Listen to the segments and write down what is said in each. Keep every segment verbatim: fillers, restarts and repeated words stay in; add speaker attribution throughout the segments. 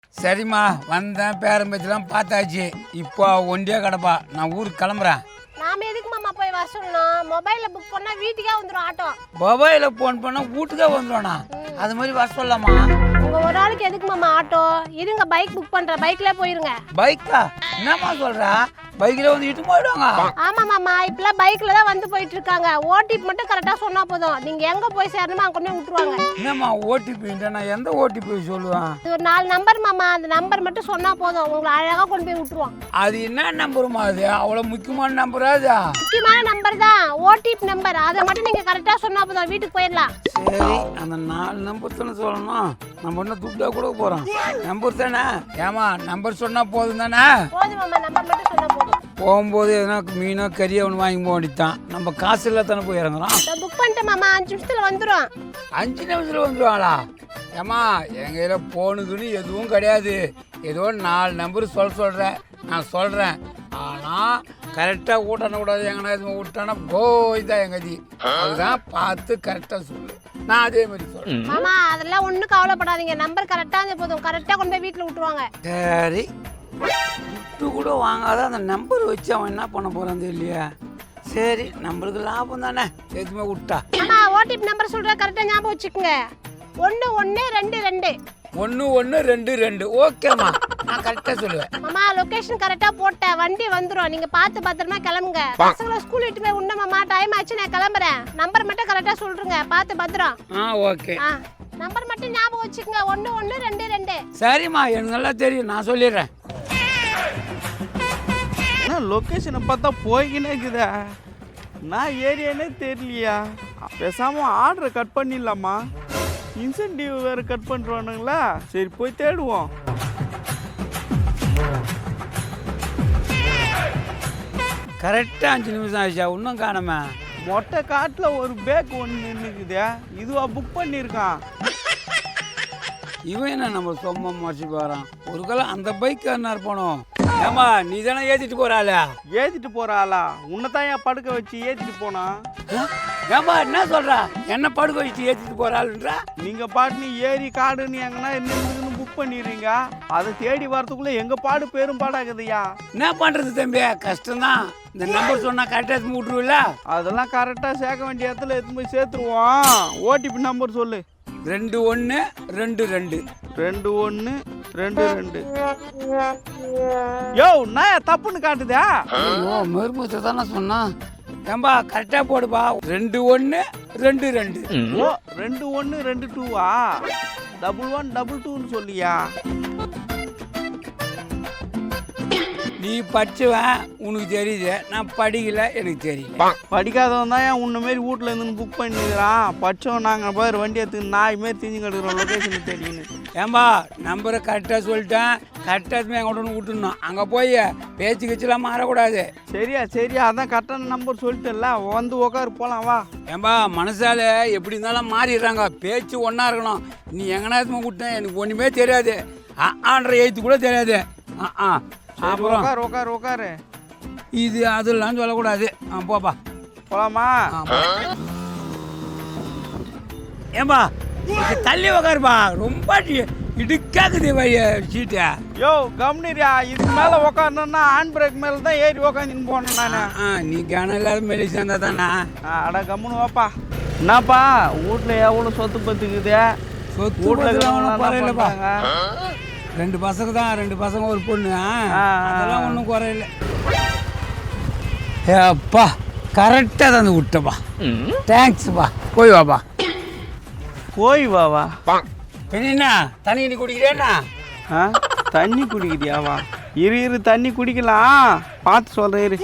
Speaker 1: சரிம்மா வந்தேன், பேரம்பேச்செல்லாம் பார்த்தாச்சு. இப்போ ஒண்டியே கிடப்பா, நான் ஊருக்கு கிளம்புறேன்.
Speaker 2: நாம எதுக்கு மாமா போய் வர சொல்லணும்? மொபைல்ல புக் பண்ணா வீட்டுக்கே வந்துடும் ஆட்டோ.
Speaker 1: மொபைலில் ஃபோன் பண்ணால் வீட்டுக்கே வந்துடும்ண்ணா. அது மாதிரி வர சொல்லலாமா?
Speaker 2: உங்க ஒரு ஆளுக்கு எதுக்கு மாமா ஆட்டோ? இருங்க பைக் புக் பண்ற, பைக்ல போயிருங்க.
Speaker 1: பைக்கா? என்னம்மா சொல்கிறா? பைக்கில் வந்து இட்டு போயிடுவாங்க.
Speaker 2: ஆமா மாமா, இப்பெல்லாம் பைக்ல தான் வந்து போயிட்டு இருக்காங்க. ஓடிபி மட்டும் கரெக்டா சொன்னா போதும், நீங்க எங்க போய் சேரணுமோ அங்க கொண்டு விட்டுருவாங்க.
Speaker 1: என்னம்மா ஓடிபி? நான் எந்த ஓடிபி சொல்லுவேன்?
Speaker 2: இது ஒரு நாலு நம்பர் மாமா, அந்த நம்பர் மட்டும் சொன்னா போதும், உங்களை அழகா கொண்டு போய் விட்டுருவான்.
Speaker 1: அது என்ன நம்பருமா? அது அவ்வளோ முக்கியமான நம்பரா? அது
Speaker 2: முக்கியமான நம்பர் தான், ஓடிபி நம்பர். அதை மட்டும் நீங்க கரெக்டா சொன்னா போதும், வீட்டுக்கு போயிடலாம்.
Speaker 1: சரி, அந்த நாலு நம்பர் தானே சொல்லணும். நம்ம என்ன துட்டா கூட போகிறோம். நம்பர் தானே? ஏமா நம்பர் சொன்னால் போதும் தானே?
Speaker 2: போதும் மாமா, நம்பர் மட்டும் சொன்னா போதும்.
Speaker 1: போகும்போது எதனா மீனோ கறியோ ஒன்று வாங்கி போக வேண்டியதான். நம்ம காசு இல்லை தானே போய் இறங்குறோம்.
Speaker 2: புக் பண்ணிட்டேன் மாமா, அஞ்சு நிமிஷத்துல வந்துடும்.
Speaker 1: அஞ்சு நிமிஷத்தில் வந்துடுவாங்களா? ஏம்மா எங்கள் கையில் போனுக்குன்னு எதுவும் கிடையாது. ஏதோ நாலு நம்பர் சொல்ல சொல்கிறேன், நான் சொல்கிறேன். ஆனால் கரெக்டாக ஊட்டக்கூடாது. எங்கன்னா எதுவும் விட்டானா போய் தான் எங்கள் கதி. அதுதான் பார்த்து கரெக்டாக சொல்லு. நான் அதே மாதிரி சொல்கிறேன்.
Speaker 2: மாமா அதெல்லாம் ஒன்றும் கவலைப்படாதீங்க, நம்பர் கரெக்டாக இருந்தால் போதும், கரெக்டாக கொண்டு போய் வீட்டில் விட்டுருவாங்க.
Speaker 1: சரி, விட்டு கூட வாங்காத அந்த நம்பர் வச்சு அவன் என்ன பண்ண போகிறான் இல்லையா? சரி, நம்மளுக்கு லாபம் தானே, எதுவுமே விட்டா.
Speaker 2: மாமா ஓடிபி நம்பர் சொல்கிற கரெக்டாக ஞாபகம் வச்சுக்கோங்க. ஒன்று ஒன்று ரெண்டு ரெண்டு
Speaker 1: ஒன்று ஒன்று ரெண்டு ரெண்டு. ஓகேம்மா, நான் கரெக்டாக சொல்லுவேன்.
Speaker 2: மாமா லொகேஷன் கரெக்டாக போட்டேன், வண்டி வந்துடும். நீங்கள் பார்த்து பத்திரமா கிளம்புங்க. பசங்களை ஸ்கூல் விட்டு போய் உண்ட மாமா, டைம் ஆச்சு, நான் கிளம்புறேன். நம்பர் மட்டும் கரெக்டாக சொல்கிறேங்க, பார்த்து பத்திரம்.
Speaker 1: ஆ ஓகே.
Speaker 2: ஆ நம்பர் மட்டும் ஞாபகம் வச்சுக்கோங்க, ஒன்று ஒன்று ரெண்டு ரெண்டு.
Speaker 1: சரிம்மா, எனக்கு நல்லா தெரியும், நான் சொல்லிடுறேன்.
Speaker 3: லொக்கேஷனை பார்த்தா போய்கினே இருக்குதா? நான் ஏரியானே தெரியலையா? பேசாமல் ஆர்டரை கட் பண்ணிடலாமா? இன்சென்டிவ் வேறு கட் பண்ணுறானுங்களா? சரி போய் தேடுவோம்.
Speaker 1: கரெக்டாக அஞ்சு நிமிஷம் ஆயிடுச்சா? இன்னும் காணாம.
Speaker 3: மொட்டை காட்டில் ஒரு பேக் ஒன்று நின்றுக்குதே, இதுவா புக் பண்ணியிருக்கான்?
Speaker 1: இவன் என்ன நம்ம சொம்மா மறைச்சி போகிறான்? ஒரு காலம் அந்த பைக் என்ன போனோம். ஏமா நீ தானே ஏற்றிட்டு போகிறாள?
Speaker 3: ஏற்றிட்டு போகிறாளா? உன்னை தான் ஏன் படுக்க வச்சு ஏற்றிட்டு போனா?
Speaker 1: ஏமா என்ன சொல்கிறா? என்ன படுக்க வச்சு ஏற்றிட்டு போகிறாள்ன்றா?
Speaker 3: நீங்கள் பாட்டுன்னு ஏரி காடுன்னு எங்கன்னா நின்று புக் பண்ணிடுறீங்க. அதை தேடி வரத்துக்குள்ளே எங்கள் பாடு பெரும் பாடாகுதுயா.
Speaker 1: என்ன பண்ணுறது தம்பி, கஷ்டம்தான். இந்த நம்பர் சொன்னால் கரெக்டாக எடுத்து விட்ருவில்ல?
Speaker 3: அதெல்லாம் கரெக்டாக சேர்க்க வேண்டிய இடத்துல எடுத்து போய் சேர்த்துருவோம். ஓடிபி நம்பர் சொல்லு.
Speaker 1: ரெண்டு ஒன்று ரெண்டு ரெண்டு
Speaker 3: ரெண்டு ஒன்று ரெண்டு ரெண்டு. யோ நான் தப்புன்னு காட்டுதா?
Speaker 1: ஐயோ மறுமூச்சை தானே சொன்னான். ஏம்பா கரெக்டாக போடுப்பா. ரெண்டு ஒன்று ரெண்டு ரெண்டு.
Speaker 3: ஓ ரெண்டு ஒன்று ரெண்டு டூவா? டபுள் ஒன் டபுள் டூன்னு சொல்லியா?
Speaker 1: நீ படிச்சுவேன், உனக்கு தெரியுது. நான் படிக்கல, எனக்கு தெரியல.
Speaker 3: படிக்காதவன் தான் ஏன் உன்ன மாரி வீட்டில் இருந்து புக் பண்ணிக்கிறான். படித்தவன் நாங்கள் பாரு வண்டி எடுத்துக்கு நாய் மாரி திஞ்சு கட்டுக்கிறோம் லொக்கேஷன் தேடின்னு.
Speaker 1: ஏம்பா நம்பரை கரெக்டாக சொல்லிட்டேன், கரெக்டாக எங்கள்கிட்ட ஒன்று விட்டுணும். அங்கே போய் பேச்சு கட்சிலாம் மாறக்கூடாது.
Speaker 3: சரியா சரியா, அதான் கரெக்டான நம்பர் சொல்லிட்டல, வந்து உக்காரு போகலாம் வா.
Speaker 1: ஏம்பா மனசால எப்படி இருந்தாலும் மாறிடுறாங்க, பேச்சு ஒன்றா இருக்கணும். நீ எங்கன்னா விட்டேன், எனக்கு ஒன்றுமே தெரியாது. ஆன்ற எழுத்து கூட தெரியாது. ஆ ஆ அப்புறம்
Speaker 3: உட்காரு உட்காரு உட்காரு.
Speaker 1: இது அதெல்லாம் சொல்லக்கூடாது. ஆ போப்பா
Speaker 3: போலாமா?
Speaker 1: ஏம்பா தள்ளி உக்காருப்பா, ரொம்ப இடுக்காக்குது வழிய சீட்டை.
Speaker 3: யோ கம்னிரியா, இதுக்கு மேலே உக்காரணுன்னா ஹேண்ட் பிரேக் மேலே தான் ஏறி உக்காந்துன்னு போனேன் நான்.
Speaker 1: ஆ நீ கனம் இல்லாத மெலி சேர்ந்தா தானே?
Speaker 3: அட கம்முன்னு வாப்பா. என்னப்பா வீட்டில் எவ்வளோ சொத்து பத்துக்குது?
Speaker 1: சொத்து வீட்டில் குறையிலப்பா. ரெண்டு பசங்க தான், ரெண்டு பசங்க ஒரு பொண்ணு. அதெல்லாம் ஒன்றும் குறையில. ஏப்பா கரெக்டாக தந்து விட்டப்பா, தேங்க்ஸ்ப்பா. போய் வாப்பா.
Speaker 3: போய் வாவா.
Speaker 1: என்ன தண்ணி நீ குடிக்கிறேன்னா?
Speaker 3: ஆ தண்ணி குடிக்கிறியாவா? இரு இரு தண்ணி குடிக்கலாம், பார்த்து சொல்கிறேன் இரு.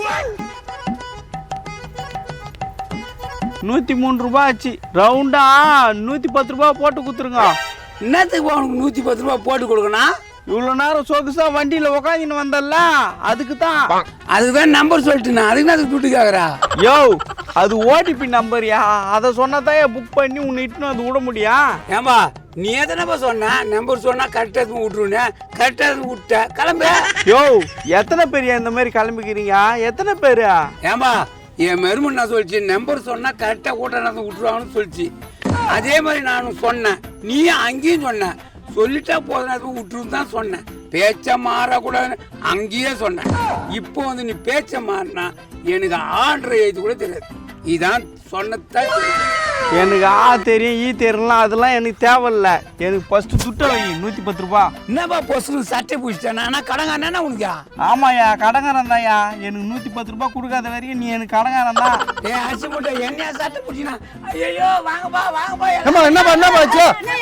Speaker 3: நூற்றி மூணு ரூபா ஆச்சு. ரவுண்டா நூற்றி பத்து ரூபா போட்டு கொடுத்துருங்க.
Speaker 1: என்னத்துக்கு உனக்கு நூற்றி பத்து ரூபா போட்டு கொடுக்கணும்?
Speaker 3: இவ்வளோ நேரம் சொகுசா வண்டியில் உக்காந்துன்னு வந்தல்ல, அதுக்கு தான்.
Speaker 1: அதுக்கு தான் நம்பர் சொல்லிட்டுண்ணா, அதுக்கு தான் அதுக்கு துட்டு கேட்குறா.
Speaker 3: யோ அது ஓடிபி நம்பர்யா, அதை சொன்னதான் புக் பண்ணி உன்னை இட்டுன்னு வந்து விட முடியும்.
Speaker 1: ஏம்பா நீ எத்தனைப்பா சொன்ன நம்பர் சொன்னால் கரெக்டாக விட்டுருன்னு? கரெக்டாக விட்ட கிளம்பு.
Speaker 3: யோ எத்தனை பேர் இந்த மாதிரி கிளம்பிக்கிறீங்க? எத்தனை பேர்?
Speaker 1: ஏம்பா என் மருமன் நான் சொல்லிச்சு, நம்பர் சொன்னால் கரெக்டாக கூட்ட நடந்து விட்டுருவாங்கன்னு சொல்லிச்சு. அதே மாதிரி நானும் சொன்னேன், நீயும் அங்கேயும் சொன்ன. சொல்லிட்டா போதும் விட்டுருந்து தான் சொன்னேன். பேச்ச மாறக்கூடாதுன்னு அங்கேயே சொன்னேன். இப்போ வந்து நீ பேச்ச மாறினா எனக்கு ஆர்டர் எழுதி கூட தெரியாது. இதான் சொன்னதான்
Speaker 3: எனக்கு ஆ தெரியும் ஈ தெரியலாம் அதெல்லாம் எனக்கு தேவையில்ல. எனக்கு ஃபஸ்ட்டு துட்டை வை நூற்றி பத்து ரூபா.
Speaker 1: என்னப்பா பொசுக்கு சட்டை பிடிச்சிட்டேன் ஆனால் கடங்கானா உனக்கா?
Speaker 3: ஆமாய்யா கடங்காரன் தான்யா. எனக்கு நூற்றி பத்து ரூபா கொடுக்காத வரைக்கும் நீ எனக்கு கடங்காரன் தான்.
Speaker 1: ஏ அரிசி மூட்டை என்னையா சட்டை பிடிச்சினா? ஐயோ வாங்கப்பா வாங்கப்பா.
Speaker 4: என்னப்பா என்னப்பா ஆச்சு?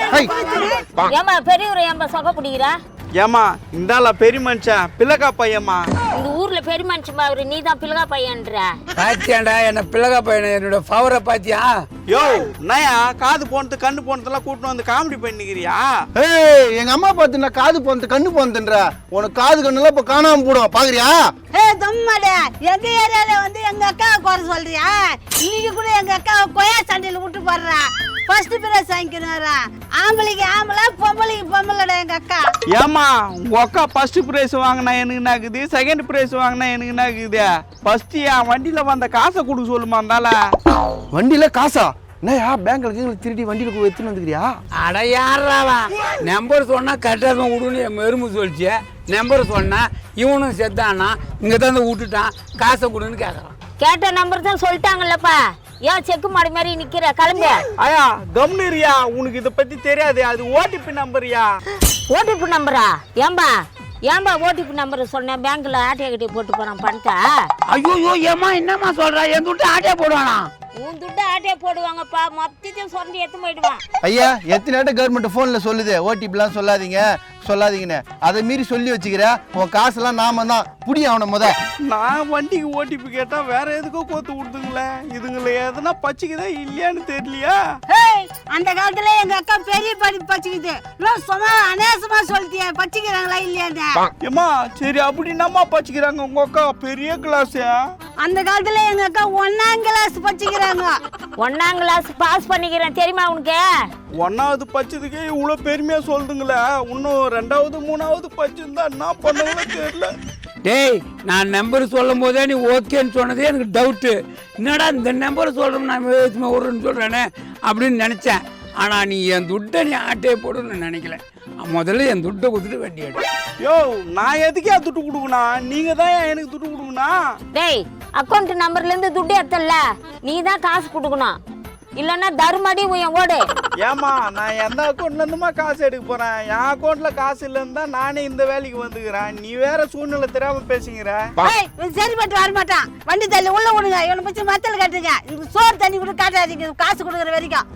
Speaker 5: ஏமா பெரியவர் ஏன்பா சொகை பிடிக்கிறா?
Speaker 3: ஏமா இந்தால பெரிய மனுஷன் பிள்ளைக்கா பையம்மா.
Speaker 5: இந்த ஊர்ல பெரிய மனுஷன் அவரு நீ தான் பிள்ளைகா பையன்ற.
Speaker 1: பாத்தியாண்டா என்ன பிள்ளைகா பையன் என்னோட ஃபவரை பாத்தியா?
Speaker 3: யோ நயா காது போனது கண்ணு போனதெல்லாம் கூட்டின்னு வந்து காமெடி பண்ணிக்கிறியா?
Speaker 4: ஏய் எங்க அம்மா பார்த்து நான் காது போனது கண்ணு போனதுன்ற உனக்கு காது கண்ணுலாம் இப்ப காணாம போடும் பாக்குறியா?
Speaker 6: ஏ தம்மாடே எங்க ஏரியால வந்து எங்க அக்காவை குறை சொல்றியா? இன்னைக்கு கூட எங்க அக்காவை கொயா சண்டையில விட்டு போடுறா. ஃபர்ஸ்ட் பிரைஸ் வாங்கிக்கிறாரா? ஆம்பளைக்கு ஆம்பளை பொம்பளைக்கு பொம்பளைடா எங்க அக்கா.
Speaker 3: ஏமா உங்க அக்கா ஃபர்ஸ்ட் பிரைஸ் வாங்கினா எனக்கு நாக்குது, செகண்ட் பிரைஸ் வாங்கினா எனக்கு நாக்குது. ஃபர்ஸ்ட் என் வண்டியில வந்த காசை கொடுக்க சொல்லுமா இருந்தால.
Speaker 4: வண்டியில காசா? என்னயா பேங்க்ல கீழ திருடி வண்டியில போய் எடுத்துன்னு வந்துக்கிறியா?
Speaker 1: அட யாராவா நம்பர் சொன்னா கரெக்டாக விடுன்னு என் மெரும்பு சொல்லிச்சு. நம்பர் சொன்னா இவனும் செத்தானா இங்கே தான் விட்டுட்டான் காசை கொடுன்னு கேட்குறான்.
Speaker 5: கேட்ட நம்பர் தான் சொல்லிட்டாங்கல்லப்பா. ஏன் செக்கு மாடு மாதிரி நிக்கிற கிளம்பு.
Speaker 3: ஐயா கம்னிரியா உனக்கு இதை பத்தி தெரியாது. அது ஓடிபி நம்பர்யா.
Speaker 5: ஓடிபி நம்பரா? ஏம்பா ஏம்பா ஓடிபி நம்பர் சொன்னேன் பேங்க்ல ஆட்டியா கட்டி போட்டு போறான் பணத்தை.
Speaker 1: ஐயோ ஏமா என்னம்மா சொல்றா? என் துட்டு ஆட்டியா போடுவானா?
Speaker 5: உன் துட்டு ஆட்டியா போடுவாங்கப்பா. மொத்தத்தையும் சொந்தி எடுத்து போயிடுவான்.
Speaker 4: ஐயா எத்தனை நேரம் கவர்மெண்ட் போன்ல சொல்லுது ஓடிபிலாம் சொல்லாதீங்க சொல்லாதீங்கன்னு. அதை மீறி சொல்லி வச்சுக்கிற உன் காசெல்லாம் நாம தான் புடி அவனை முத.
Speaker 3: நான் வண்டிக்கு ஓடிபி கேட்டா வேற எதுக்கோ கோத்து விடுதுங்களே. இதுங்களை எதுனா பச்சிக்குதா இல்லையான்னு தெரியலையா?
Speaker 6: ஏய் அந்த காலத்துல எங்க அக்கா பெரிய படிப்பு பச்சிக்குது. நான் சும்மா அநேசமா சொல்லிட்டியா பச்சிக்கிறாங்களா இல்லையான்னு?
Speaker 3: ஏமா சரி அப்படின்னாமா பச்சிக்கிறாங்க உங்க அக்கா பெரிய கிளாஸ்.
Speaker 6: அந்த காலத்துல எங்க அக்கா ஒன்னாம் கிளாஸ் பச்சிக்கிறாங்க.
Speaker 5: ஒன்னாம் கிளாஸ் பாஸ் பண்ணிக்கிறேன் தெரியுமா உனக்கு?
Speaker 3: ஒன்னாவது பச்சதுக்கே இவ்வளோ பெருமையா சொல்லுதுங்களே. இன்னும் ரெண்டாவது மூணாவது பச்சிருந்தா என்ன பண்ணுவோம் தெரியல.
Speaker 1: டேய் நான் நம்பர் சொல்லும் போதே நீ ஓகேன்னு சொன்னதே எனக்கு டவுட்டு. என்னடா இந்த நம்பர் சொல்கிறோம் நான் விடுறேன்னு சொல்கிறேனே அப்படின்னு நினச்சேன். ஆனால் நீ என் துட்டை நீ ஆட்டே போடுன்னு நினைக்கல. முதல்ல என் துட்டை கொடுத்துட்டு வண்டி எடு.
Speaker 3: யோ நான் எதுக்கே துட்டு கொடுக்கணும்? நீங்க தான் எனக்கு துட்டு கொடுக்கணும்.
Speaker 5: டேய் அக்கௌண்ட் நம்பர்ல இருந்து துட்டு எடுத்தல நீ தான் காசு கொடுக்கணும். இல்லன்னா தர்மடி உயன் ஓடு.
Speaker 3: ஏமா நான் எந்த அக்கௌண்ட்ல இருந்துமா காசு எடுக்க போறேன்? என் அக்கௌண்ட்ல காசு இல்லைன்னு தான் நானே இந்த வேலைக்கு வந்துக்கிறேன். நீ வேற சூழ்நிலை தெரியாம பேசுங்கிற.
Speaker 6: ஏய் சரிப்பட்டு வர மாட்டான். வண்டி தள்ளி உள்ள விடுங்க. இவனை பத்தி மத்தல கட்டுங்க. இது சோறு தண்ணி கூட காட்டாதீங்க காசு கொடுக்குற வரைக்கும்.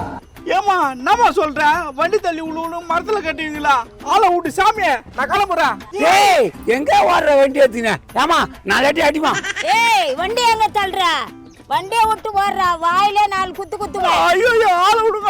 Speaker 3: ஏமா என்னமா சொல்ற? வண்டி தள்ளி உள்ள மரத்துல கட்டுவீங்களா? ஆளை விட்டு சாமியே நான் கிளம்புறேன்.
Speaker 1: ஏய் எங்க ஓடுற வண்டி எடுத்தீங்க? ஏமா நாலாட்டி அடிமா.
Speaker 5: ஏய் வண்டி எங்க தள்ளுற? வண்டியை விட்டு ஓடுறா. வாயிலே நாலு குத்து குத்துவேன்.
Speaker 3: ஐயோ ஆளை விடுங்க.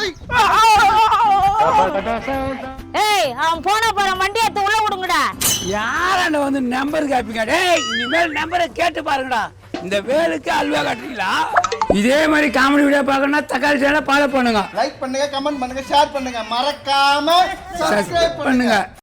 Speaker 5: ஏய் அவன் போனா போற வண்டி எடுத்து உள்ள விடுங்கடா.
Speaker 1: யாராண்ட வந்து நம்பர் கேட்பீங்க? டேய் இனிமேல் நம்பரை கேட்டு பாருங்கடா. இந்த வேலுக்கு அல்வா கட்டுறீங்களா? இதே மாதிரி காமெடி வீடியோ பார்க்கணும்னா தக்காளி சேனலை ஃபாலோ பண்ணுங்க,
Speaker 4: லைக் பண்ணுங்க, கமெண்ட் பண்ணுங்க, ஷேர் பண்ணுங்க, மறக்காம
Speaker 1: சப்ஸ்கிரைப் பண்ணுங்க.